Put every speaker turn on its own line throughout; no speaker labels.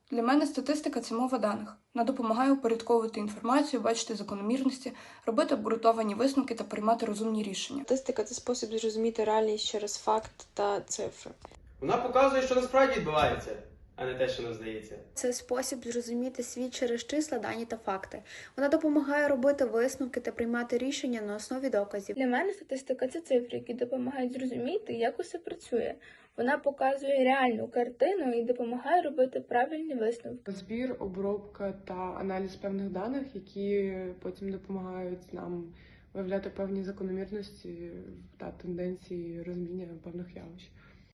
Для мене статистика – це мова даних. Вона допомагає упорядковувати інформацію, бачити закономірності, робити обґрунтовані висновки та приймати розумні рішення.
Статистика – це спосіб зрозуміти реальність через факт та цифри.
Вона показує, що насправді відбувається, а не те, що нам здається.
Це спосіб зрозуміти світ через числа, дані та факти. Вона допомагає робити висновки та приймати рішення на основі доказів.
Для мене статистика – це цифри, які допомагають зрозуміти, як усе працює. Вона показує реальну картину і допомагає робити правильні висновки.
Збір, обробка та аналіз певних даних, які потім допомагають нам виявляти певні закономірності та тенденції розуміння певних явищ.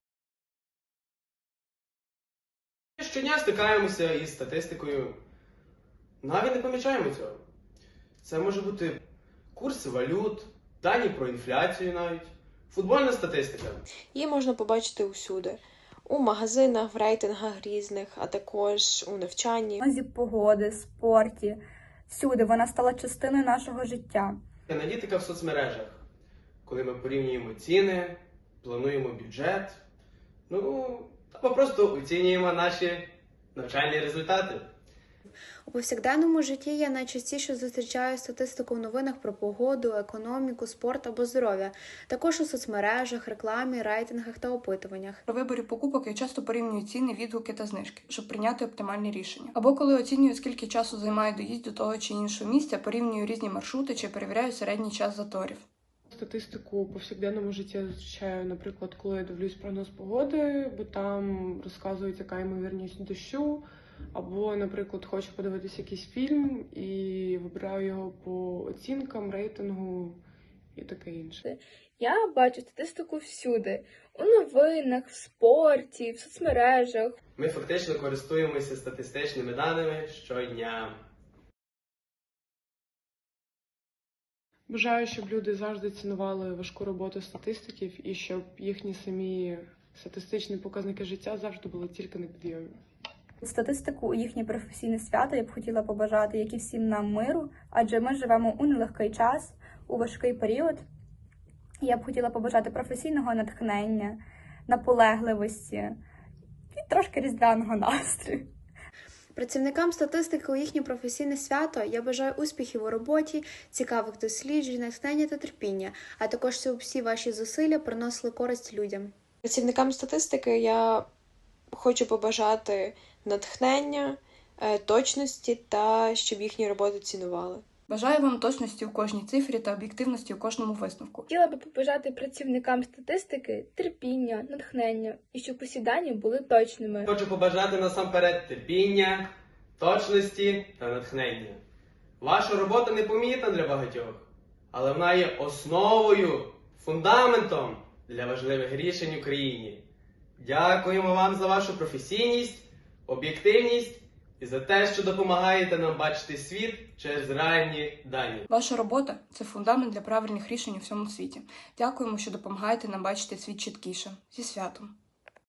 Щодня стикаємося із статистикою, навіть не помічаємо цього. Це може бути курси валют, дані про інфляцію навіть, футбольна статистика.
Її можна побачити усюди. У магазинах, в рейтингах різних, а також у навчанні.
Зі погоди, спорті. Всюди вона стала частиною нашого життя.
Аналітика в соцмережах, коли ми порівнюємо ціни, плануємо бюджет, або просто оцінюємо наші навчальні результати.
У повсякденному житті я найчастіше зустрічаю статистику в новинах про погоду, економіку, спорт або здоров'я. Також у соцмережах, рекламі, рейтингах та опитуваннях.
При виборі покупок я часто порівнюю ціни, відгуки та знижки, щоб прийняти оптимальні рішення. Або коли оцінюю, скільки часу займає доїзд до того чи іншого місця, порівнюю різні маршрути чи перевіряю середній час заторів.
Статистику у повсякденному житті я зустрічаю, наприклад, коли я дивлюсь прогноз погоди, бо там розказують, яка ймовірність дощу, або, наприклад, хочу подивитися якийсь фільм і вибираю його по оцінкам, рейтингу і таке інше.
Я бачу статистику всюди. У новинах, в спорті, в соцмережах.
Ми фактично користуємося статистичними даними щодня.
Бажаю, щоб люди завжди цінували важку роботу статистиків і щоб їхні самі статистичні показники життя завжди були тільки на підйомі.
Статистику у їхнє професійне свято я б хотіла побажати, як і всім нам, миру, адже ми живемо у нелегкий час, у важкий період. Я б хотіла побажати професійного натхнення, наполегливості і трошки різдвяного настрою.
Працівникам статистики у їхнє професійне свято я бажаю успіхів у роботі, цікавих досліджень, натхнення та терпіння, а також щоб всі ваші зусилля приносили користь людям.
Працівникам статистики я хочу побажати натхнення, точності та щоб їхні роботи цінували.
Бажаю вам точності у кожній цифрі та об'єктивності у кожному висновку.
Хотіла би побажати працівникам статистики терпіння, натхнення і щоб усі дані були точними.
Хочу побажати насамперед терпіння, точності та натхнення. Ваша робота непомітна для багатьох, але вона є основою, фундаментом для важливих рішень у країні. Дякуємо вам за вашу професійність, об'єктивність і за те, що допомагаєте нам бачити світ через реальні дані.
Ваша робота – це фундамент для правильних рішень у всьому світі. Дякуємо, що допомагаєте нам бачити світ чіткіше. Зі святом!